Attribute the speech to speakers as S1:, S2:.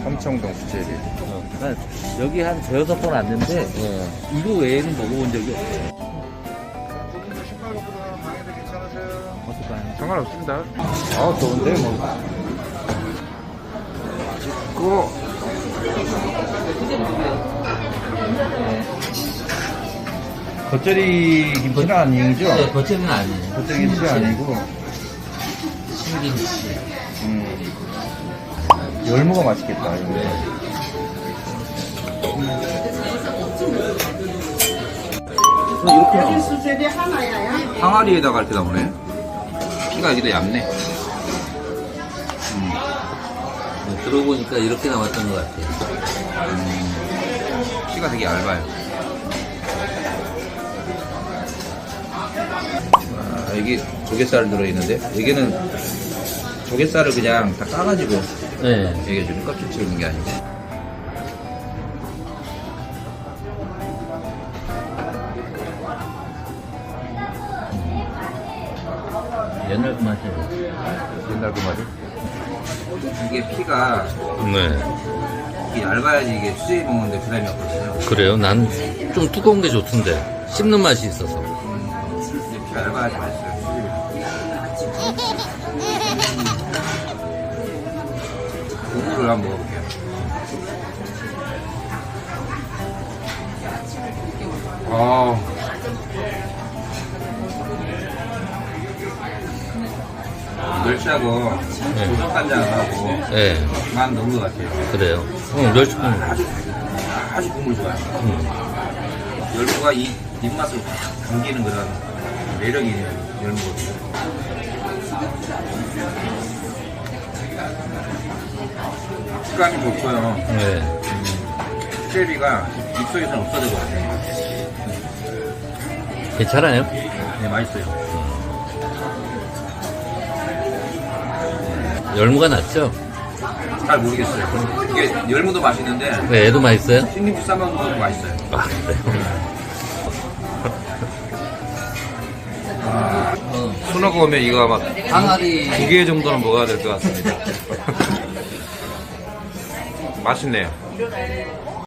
S1: 삼청동 수제비.
S2: 난 여기 한 대여섯 번 왔는데 이거 외에는 먹어본 적이 없어요.
S1: 식사료보다 방해도 괜찮으세요?
S2: 어떨까요?
S1: 상관없습니다. 아, 좋은데, 뭐. 맛있고. 겉절이 김치는 아니죠?
S2: 네, 겉절이는 아니에요.
S1: 겉절이 김치 아니고.
S2: 신김치.
S1: 열무가 맛있겠다, 이거.
S3: 여기 수제비 하나야.
S1: 항아리에다가 이렇게 나오네. 피가 여기도 얇네.
S2: 들어보니까 이렇게 나왔던 것 같아요.
S1: 피가 되게 얇아요. 아, 여기 조갯살 들어있는데, 여기는 조갯살을 그냥 다 까가지고
S2: 네.
S1: 여기 좀 껍질 채우는 게 아니고.
S2: 옛날 그 맛이에요.
S1: 옛날 그 말이? 이게 피가
S2: 네.
S1: 이게 얇아야지 이게 수제비 먹는데 부담이 없거든요.
S2: 그래요? 난 좀 두꺼운 게 좋던데. 씹는 맛이 있어서.
S1: 이게 피가 얇아야지 맛있어요, 수제비. 국물을 한번 먹어볼게요. 아, 멸치하고 고속간장하고
S2: 네.
S1: 맛 넣은 것 같아요.
S2: 그래요. 멸치,
S1: 아주 국물 좋아요. 열무가 이 입맛을 확 당기는 그런 매력이 있는 열무거든요. 식감이 좋고요.
S2: 네.
S1: 수제비가 입속에서는 없어져버려요.
S2: 괜찮아요?
S1: 네, 맛있어요.
S2: 열무가 낫죠?
S1: 잘 모르겠어요. 이게 열무도 맛있는데
S2: 네, 애도 맛있어요?
S1: 신김치 싸먹는 것도 맛있어요.
S2: 아, 그래요?
S1: 순하고 오면 이거 아마
S2: 항아리.
S1: 2개 정도는 먹어야 될 것 같습니다. 맛있네요.